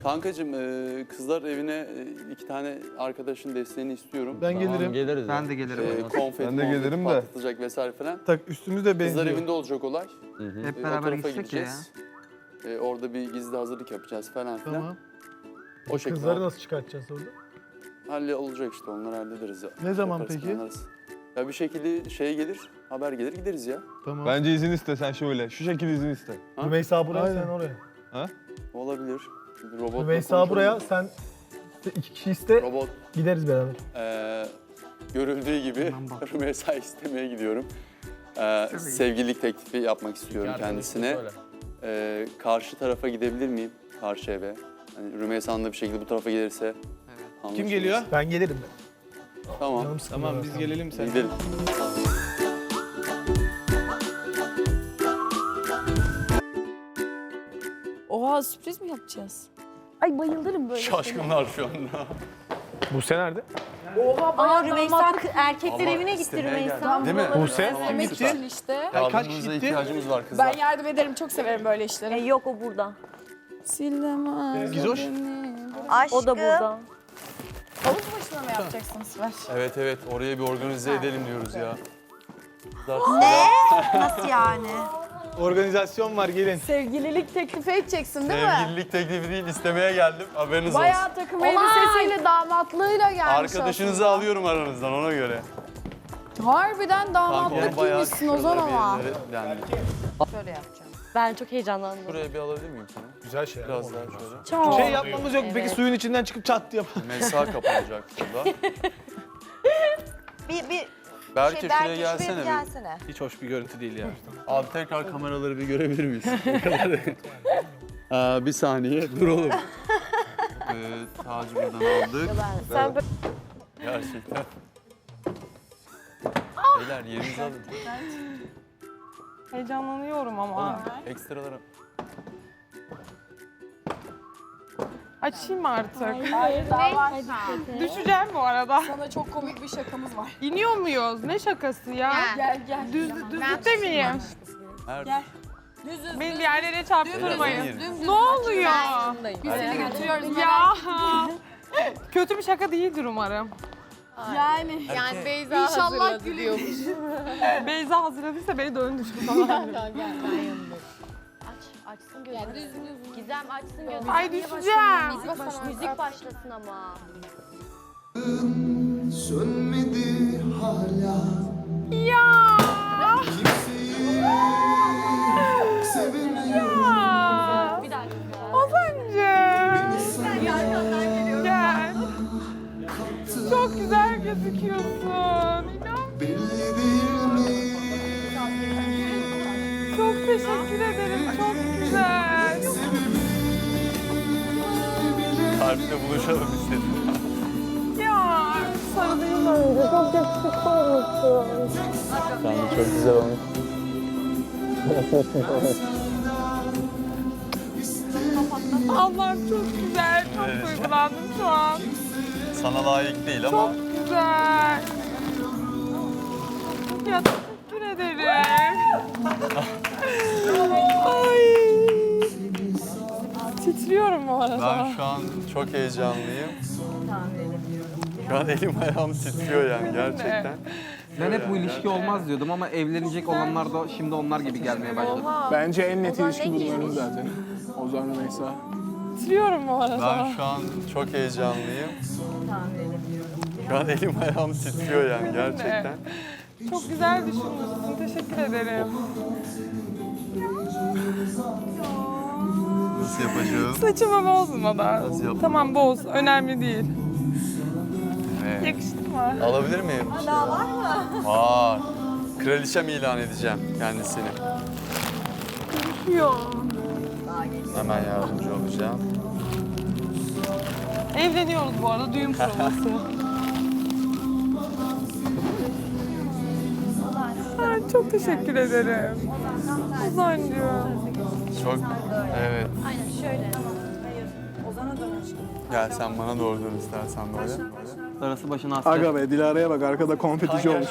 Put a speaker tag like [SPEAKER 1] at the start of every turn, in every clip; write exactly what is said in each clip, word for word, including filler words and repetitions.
[SPEAKER 1] Kankacığım e, kızlar evine e, iki tane arkadaşın desteğini istiyorum.
[SPEAKER 2] Ben gelirim.
[SPEAKER 3] Tamam, geliriz.
[SPEAKER 4] Ben de gelirim.
[SPEAKER 1] E, konfeti,
[SPEAKER 2] Ben de
[SPEAKER 1] muhabbet
[SPEAKER 2] gelirim de.
[SPEAKER 1] patlatılacak vesaire falan.
[SPEAKER 2] Tak üstümüz de
[SPEAKER 1] Kızlar
[SPEAKER 2] benziyor.
[SPEAKER 1] evinde olacak olay.
[SPEAKER 3] Hı hı.
[SPEAKER 4] Hep
[SPEAKER 1] E, o
[SPEAKER 4] beraber
[SPEAKER 1] tarafa
[SPEAKER 4] gitsek ya.
[SPEAKER 1] gideceğiz. E, orada bir gizli hazırlık yapacağız falan filan.
[SPEAKER 2] Tamam.
[SPEAKER 1] O şekilde
[SPEAKER 2] Kızları nasıl çıkartacağız orada?
[SPEAKER 1] halle olacak işte, onları hallederiz. Ya.
[SPEAKER 2] Ne zaman
[SPEAKER 1] Yaparız,
[SPEAKER 2] peki?
[SPEAKER 1] planlarız. Ya bir şekilde şey gelir, haber gelir, gideriz ya.
[SPEAKER 2] Tamam.
[SPEAKER 5] Bence izin iste sen şöyle. Şu şekilde izin iste.
[SPEAKER 1] Ha?
[SPEAKER 2] Rümeysa buraya,
[SPEAKER 5] Aynen.
[SPEAKER 2] sen oraya.
[SPEAKER 1] Olabilir. Bir robotla
[SPEAKER 2] Rümeysa
[SPEAKER 1] konuşalım.
[SPEAKER 2] buraya, sen iki kişi iste,
[SPEAKER 1] Robot
[SPEAKER 2] gideriz beraber.
[SPEAKER 1] e, görüldüğü gibi
[SPEAKER 4] Tamam, bak.
[SPEAKER 1] Rümeysa istemeye gidiyorum. E, sevgililik teklifi yapmak istiyorum kendisine.
[SPEAKER 3] Söyle.
[SPEAKER 1] E, karşı tarafa gidebilir miyim? Karşı eve. Hani Rümeysa'nın da bir şekilde bu tarafa gelirse.
[SPEAKER 4] Evet.
[SPEAKER 6] Kim geliyor?
[SPEAKER 2] Ben gelirim ben.
[SPEAKER 1] Tamam.
[SPEAKER 2] Canım sıkıldı
[SPEAKER 6] Tamam
[SPEAKER 2] zaten.
[SPEAKER 6] biz gelelim sen.
[SPEAKER 1] Gidelim.
[SPEAKER 7] Oha, sürpriz mi yapacağız? Ay bayılırım böyle.
[SPEAKER 1] Şaşkınlar şu anda.
[SPEAKER 6] Buse nerede?
[SPEAKER 7] Aa, Rümeysa erkekler evine gitti Rümeysa.
[SPEAKER 1] Değil mi?
[SPEAKER 6] Buse?
[SPEAKER 1] Tamam,
[SPEAKER 6] Gitti.
[SPEAKER 1] süper.
[SPEAKER 7] işte.
[SPEAKER 6] kaç
[SPEAKER 1] Yardımınıza
[SPEAKER 6] kişi gitti?
[SPEAKER 1] ihtiyacımız var kızlar.
[SPEAKER 7] Ben yardım ederim, çok severim böyle işleri.
[SPEAKER 8] E, yok o burada.
[SPEAKER 7] Sillemez.
[SPEAKER 6] Gizoş.
[SPEAKER 8] Aşkım.
[SPEAKER 7] O da burada. Havuz başına mı yapacaksınız ver?
[SPEAKER 1] Evet evet, oraya bir organize edelim diyoruz ya. Kızlar,
[SPEAKER 8] Ne? Nasıl yani?
[SPEAKER 6] Organizasyon var gelin.
[SPEAKER 7] Sevgililik teklifi edeceksin değil mi?
[SPEAKER 1] sevgililik teklifi değil, istemeye geldim. Haberiniz olsun.
[SPEAKER 7] Bayağı takım elbisesiyle, damatlığıyla gelmiş
[SPEAKER 1] Arkadaşınızı alıyorum aranızdan, ona göre.
[SPEAKER 7] aslında. Harbiden
[SPEAKER 1] Kanka
[SPEAKER 7] damatlık
[SPEAKER 1] onu bayağı
[SPEAKER 7] giymişsin Ozan
[SPEAKER 1] şuralara bir
[SPEAKER 7] ama.
[SPEAKER 1] yerlere yani.
[SPEAKER 7] Şöyle yapacağım.
[SPEAKER 8] Ben çok heyecanlandım.
[SPEAKER 1] Buraya bir alabilir miyim seni?
[SPEAKER 6] Güzel şey.
[SPEAKER 1] Biraz daha şöyle.
[SPEAKER 7] Çok.
[SPEAKER 6] Şey yapmamız yok mu? Peki suyun içinden çıkıp çat diye.
[SPEAKER 1] Mesa kapanacak burada.
[SPEAKER 8] Bir, bir
[SPEAKER 1] Belki
[SPEAKER 8] şey,
[SPEAKER 1] şuraya
[SPEAKER 8] belki
[SPEAKER 1] gelsene
[SPEAKER 8] şuraya bir
[SPEAKER 1] bir.
[SPEAKER 8] gelsene.
[SPEAKER 6] Hiç hoş bir görüntü değil ya.
[SPEAKER 1] Abi tekrar kameraları bir görebilir miyiz? O kadar. Aa, bir saniye, dur oğlum. ee, tacı buradan aldık.
[SPEAKER 8] Sen böyle
[SPEAKER 1] Gerçekten. Beyler yerinizi alın.
[SPEAKER 9] Heyecanlanıyorum ama.
[SPEAKER 1] Oğlum ekstralara.
[SPEAKER 9] Açayım artık.
[SPEAKER 7] Hayır, daha var.
[SPEAKER 9] Düşeceğim bu arada.
[SPEAKER 7] Sana çok komik bir şakamız var.
[SPEAKER 9] İniyor muyuz? Ne şakası ya?
[SPEAKER 7] Gel gel.
[SPEAKER 9] Düz, düzlükte miyim?
[SPEAKER 1] Her
[SPEAKER 7] Gel. Düz düz.
[SPEAKER 9] Beni yerlere çarptırmayın.
[SPEAKER 1] Dümdüz.
[SPEAKER 9] Ne oluyor?
[SPEAKER 7] Biz seni götürüyoruz.
[SPEAKER 9] Ya. Kötü bir şaka değildir umarım.
[SPEAKER 7] Yani.
[SPEAKER 9] Yani Beyza
[SPEAKER 7] İnşallah gülüyormuş.
[SPEAKER 9] Beyza hazırladıysa beni döndür falan.
[SPEAKER 8] aç, açsın gözünü. Gizem açsın gözünü.
[SPEAKER 9] Ay düşeceğim.
[SPEAKER 8] Müzik, baş, müzik başlasın ama.
[SPEAKER 10] Sönmedi hala
[SPEAKER 9] Ya.
[SPEAKER 10] sevemiyorum.
[SPEAKER 9] Ya.
[SPEAKER 8] Bir dakika.
[SPEAKER 9] Ozancığım. Gel. Çok güzel gözüküyorsun. İnan.
[SPEAKER 10] Belli değil mi?
[SPEAKER 9] Çok teşekkür ederim. Çok güzel.
[SPEAKER 1] Harpte buluşalım istedim.
[SPEAKER 9] Ya. Sarılayım önce. Çok yakışıklı olmuşsun.
[SPEAKER 1] Sen de çok güzel olmuşsun.
[SPEAKER 9] Allah'ım çok güzel. Çok
[SPEAKER 1] Evet.
[SPEAKER 9] duygulandım şu an.
[SPEAKER 1] Sana layık değil ama.
[SPEAKER 9] Çok güzel. Ya teşekkür ederim. Ay. Titriyorum bu arada.
[SPEAKER 1] Ben şu an çok heyecanlıyım. Şu an elim ayağım titriyor yani gerçekten.
[SPEAKER 4] Ben hep bu ilişki olmaz diyordum ama evlenecek olanlar da şimdi onlar gibi gelmeye başladı.
[SPEAKER 6] Bence en net ilişki bunların zaten. Ozan Rümeysa.
[SPEAKER 9] Titriyorum bu arada.
[SPEAKER 1] Ben şu an çok heyecanlıyım. Şu an elim ayağım titriyor yani gerçekten.
[SPEAKER 9] Çok güzel düşünmüşsün. Teşekkür ederim.
[SPEAKER 1] Nasıl yapacağız?
[SPEAKER 9] Saçımı bozmadan.
[SPEAKER 1] Nasıl yapalım?
[SPEAKER 9] Tamam boz. Önemli değil.
[SPEAKER 1] Evet.
[SPEAKER 9] Yakıştı mı?
[SPEAKER 1] Alabilir miyim? Daha var mı? Var. Kraliçem ilan edeceğim kendisini.
[SPEAKER 9] Yok.
[SPEAKER 1] Hemen yardımcı olacağım.
[SPEAKER 9] Evleniyoruz bu arada. Düğün provası. Ay, çok teşekkür ederim. Ozancığım.
[SPEAKER 1] Çok, evet. Aynen şöyle. Gel sen bana doğru dön istersen böyle.
[SPEAKER 4] Darısı başına astı.
[SPEAKER 6] Aga be Dilara'ya bak arkada konfetici olmuş.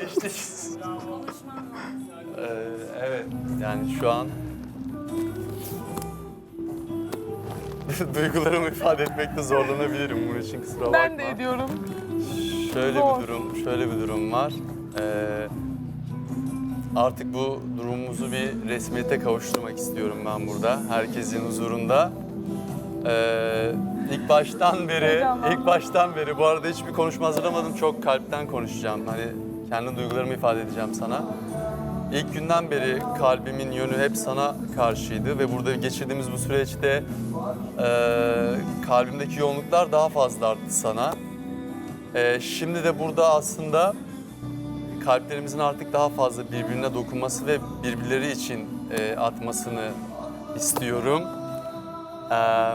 [SPEAKER 1] ee, evet, yani şu an duygularımı ifade etmekte zorlanabilirim. Bunun için kusura bakma.
[SPEAKER 9] Ben de ediyorum.
[SPEAKER 1] Şöyle
[SPEAKER 9] Zor.
[SPEAKER 1] bir durum, şöyle bir durum var. Ee, artık bu durumumuzu bir resmiyete kavuşturmak istiyorum ben burada. Herkesin huzurunda. Ee, ilk baştan beri,
[SPEAKER 9] Heyecanlandım.
[SPEAKER 1] ilk baştan beri bu arada hiçbir konuşma hazırlamadım. Çok kalpten konuşacağım. Hani kendi duygularımı ifade edeceğim sana. İlk günden beri kalbimin yönü hep sana karşıydı ve burada geçirdiğimiz bu süreçte e, kalbimdeki yoğunluklar daha fazla arttı sana. E, şimdi de burada aslında kalplerimizin artık daha fazla birbirine dokunması ve birbirleri için e, atmasını istiyorum. E,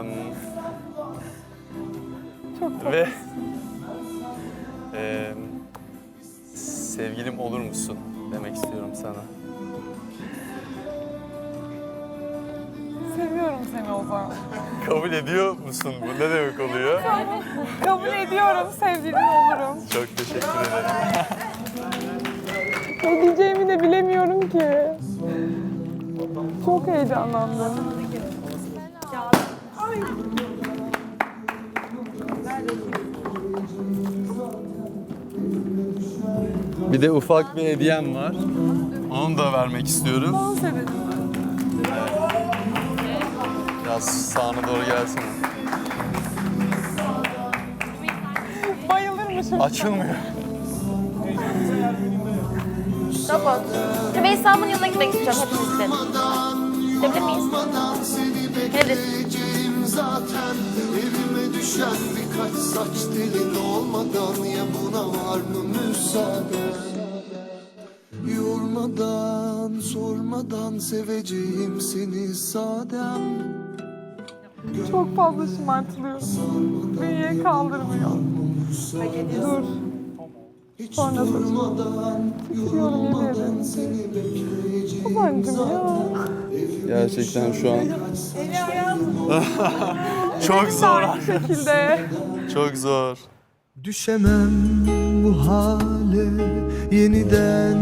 [SPEAKER 9] Çok
[SPEAKER 1] ve e, sevgilim olur musun demek istiyorum sana.
[SPEAKER 9] seviyorum seni o zaman.
[SPEAKER 1] Kabul ediyor musun? Bu ne demek oluyor?
[SPEAKER 9] Kabul ediyorum, sevgilin olurum.
[SPEAKER 1] Çok teşekkür ederim.
[SPEAKER 9] Ne diyeceğimi de bilemiyorum ki. Çok heyecanlandım.
[SPEAKER 1] Bir de ufak bir hediyem var. Onu da vermek istiyorum.
[SPEAKER 9] Dans edelim.
[SPEAKER 1] Biraz sağına doğru gelsin.
[SPEAKER 9] Bayılırmışım.
[SPEAKER 1] Açılmıyor.
[SPEAKER 8] Robot. Rümeysa'mın yanına gitmek istiyorum hepimizden. Gidebilir miyiz? Nedir?
[SPEAKER 10] Zaten evime düşen birkaç saç telin olmadan ya buna var mı müsaade? Yormadan sormadan seveceğim seni sadem.
[SPEAKER 9] Çok fazla şımartılıyorum. Bünye kaldırmıyor. Dur.
[SPEAKER 10] Hiç
[SPEAKER 9] Sonra
[SPEAKER 10] durmadan
[SPEAKER 9] Titriyorum yemin
[SPEAKER 10] seni bekleyeceğim.
[SPEAKER 9] Babancım ya.
[SPEAKER 1] Gerçekten şu an çok zor.
[SPEAKER 9] Aynı şekilde.
[SPEAKER 1] Çok zor.
[SPEAKER 10] Düşemem bu hale yeniden.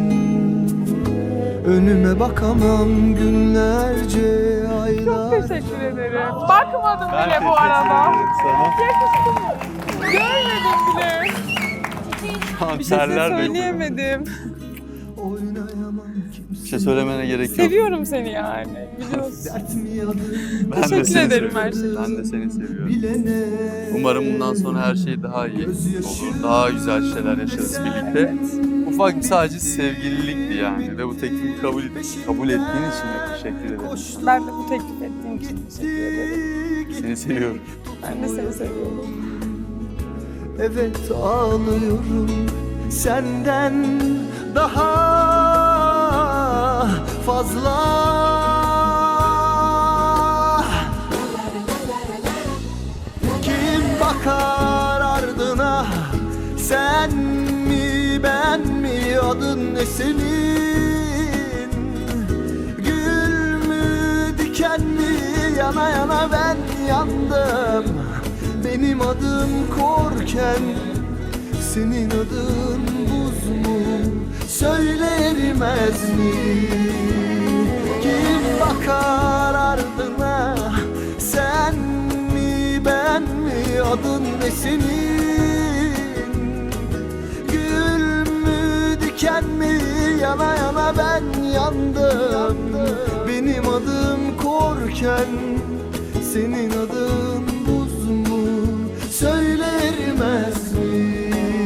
[SPEAKER 10] Önüme bakamam günlerce
[SPEAKER 9] Çok
[SPEAKER 10] aylar.
[SPEAKER 9] teşekkür ederim. Bakmadım bile bu arada.
[SPEAKER 1] Sana.
[SPEAKER 9] Görmedim bile. Bir şey
[SPEAKER 1] Terler döküyor.
[SPEAKER 9] söyleyemedim.
[SPEAKER 10] Oynayamam
[SPEAKER 1] Bir şey söylemene gerek yok.
[SPEAKER 9] Seviyorum seni yani. Biliyorsun.
[SPEAKER 10] dert mi yadır
[SPEAKER 1] Ben de
[SPEAKER 9] Teşekkür
[SPEAKER 1] seni
[SPEAKER 9] ederim
[SPEAKER 1] seviyorum.
[SPEAKER 9] her şey için.
[SPEAKER 1] Ben de seni seviyorum.
[SPEAKER 10] bilene.
[SPEAKER 1] Umarım bundan sonra her şey daha iyi olur. Daha güzel şeyler yaşarız birlikte. Ufak bir sadece sevgililikti yani ve bu teklifi kabul, kabul ettiğin için de teşekkür ederim.
[SPEAKER 9] Ben de bu teklif ettiğin için teşekkür ederim.
[SPEAKER 1] Seni seviyorum.
[SPEAKER 9] Ben de seni seviyorum.
[SPEAKER 10] Evet ağlıyorum senden daha fazla. Kim bakar ardına, sen mi ben mi, adın ne senin? Gül mü diken mi, yana yana ben yandım. Benim adım korken, senin adın buz mu? Söyle erimez mi? Kim bakar ardına, sen mi ben mi, adın ne senin? Gül mü diken mi, yana yana ben yandım. Benim adım korken, senin adın buz mu? Söyle erimez mi?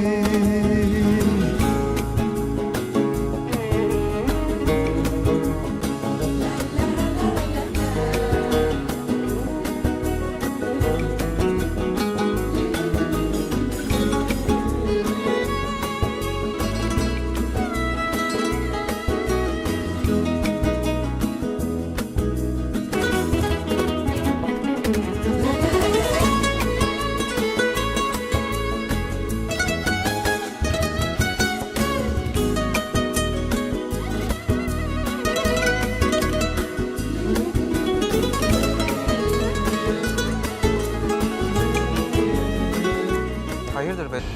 [SPEAKER 4] Hayırdır be?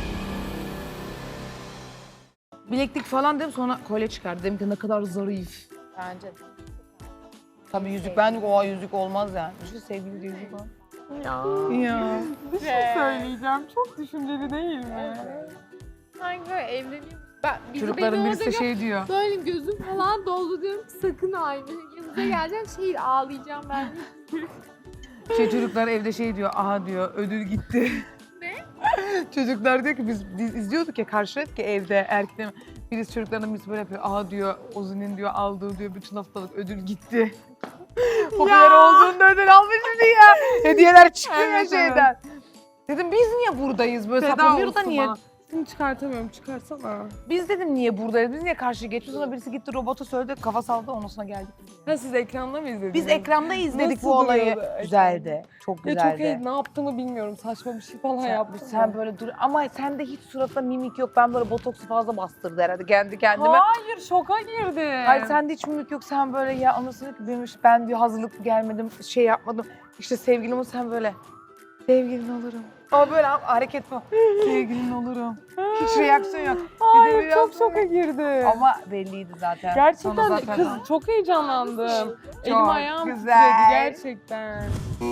[SPEAKER 3] Bileklik falan dedim, sonra kolye çıkardı. Dedim ki ne kadar zarif.
[SPEAKER 9] Bence de.
[SPEAKER 3] Tabii yüzük, ben de o yüzük olmaz yani. Şu sevgili yüzük var.
[SPEAKER 9] Ya.
[SPEAKER 3] Ya.
[SPEAKER 9] Bir şey söyleyeceğim. Çok düşünceli değil mi?
[SPEAKER 11] Sanki böyle evleniyor. Ben, bizi
[SPEAKER 3] Çocukların
[SPEAKER 11] beni
[SPEAKER 3] birisi
[SPEAKER 11] orada
[SPEAKER 3] de şey diyor.
[SPEAKER 11] gör- Böyle gözüm falan doldu diyorum ki sakın aynı. Yanınıza geleceğim şey ağlayacağım ben.
[SPEAKER 3] Şey çocuklar evde şey diyor, aha diyor ödül gitti.
[SPEAKER 11] Ne?
[SPEAKER 3] Çocuklar diyor ki biz, biz izliyorduk ya karşıladık ki evde erkekler. Birisi çocuklarına birisi böyle yapıyor, aha diyor Ozi'nin diyor aldığı diyor bütün haftalık ödül gitti. Popüler olduğunda ödül almışım diye. Hediyeler çıkıyor ya
[SPEAKER 9] Evet,
[SPEAKER 3] şeyden. Dedim biz niye buradayız böyle
[SPEAKER 9] Feda
[SPEAKER 3] saplamıyoruz da
[SPEAKER 9] olsun
[SPEAKER 3] niye?
[SPEAKER 9] bana. Seni çıkartamıyorum, çıkarsana.
[SPEAKER 3] Biz dedim niye buradayız, biz niye karşıya geçiyoruz? Sonra birisi gitti robota söyledi, kafa saldı ondan sonra geldik.
[SPEAKER 9] Ha siz ekranda mı izlediniz?
[SPEAKER 3] Biz ekranda izledik
[SPEAKER 9] Nasıl
[SPEAKER 3] bu olayı.
[SPEAKER 9] duruyordu ekran?
[SPEAKER 3] Güzeldi, çok
[SPEAKER 9] Ya
[SPEAKER 3] güzeldi.
[SPEAKER 9] çok iyi, ne yaptığımı bilmiyorum. Saçma bir şey falan
[SPEAKER 3] Sen,
[SPEAKER 9] yapmışsın.
[SPEAKER 3] sen böyle dur ama sende hiç suratta mimik yok. Ben böyle botoksu fazla bastırdı herhalde kendi kendime.
[SPEAKER 9] Hayır, şoka girdim.
[SPEAKER 3] Hayır sende hiç mimik yok. Sen böyle ya anasını ki benim işte ben diyor hazırlıklı gelmedim, şey yapmadım. İşte sevgilim o sen böyle sevgilin olurum. Ama böyle hareket bu. Sevgilin olurum. Hiç reaksiyon yok.
[SPEAKER 9] Hayır,
[SPEAKER 3] Bir de
[SPEAKER 9] çok
[SPEAKER 3] biraz-
[SPEAKER 9] şoka girdim.
[SPEAKER 3] Ama belliydi zaten.
[SPEAKER 9] Gerçekten
[SPEAKER 3] Sana
[SPEAKER 9] de
[SPEAKER 3] zaten-
[SPEAKER 9] kız çok heyecanlandım. Elim
[SPEAKER 3] Çok
[SPEAKER 9] ayağım
[SPEAKER 3] güzel.
[SPEAKER 9] titredi gerçekten.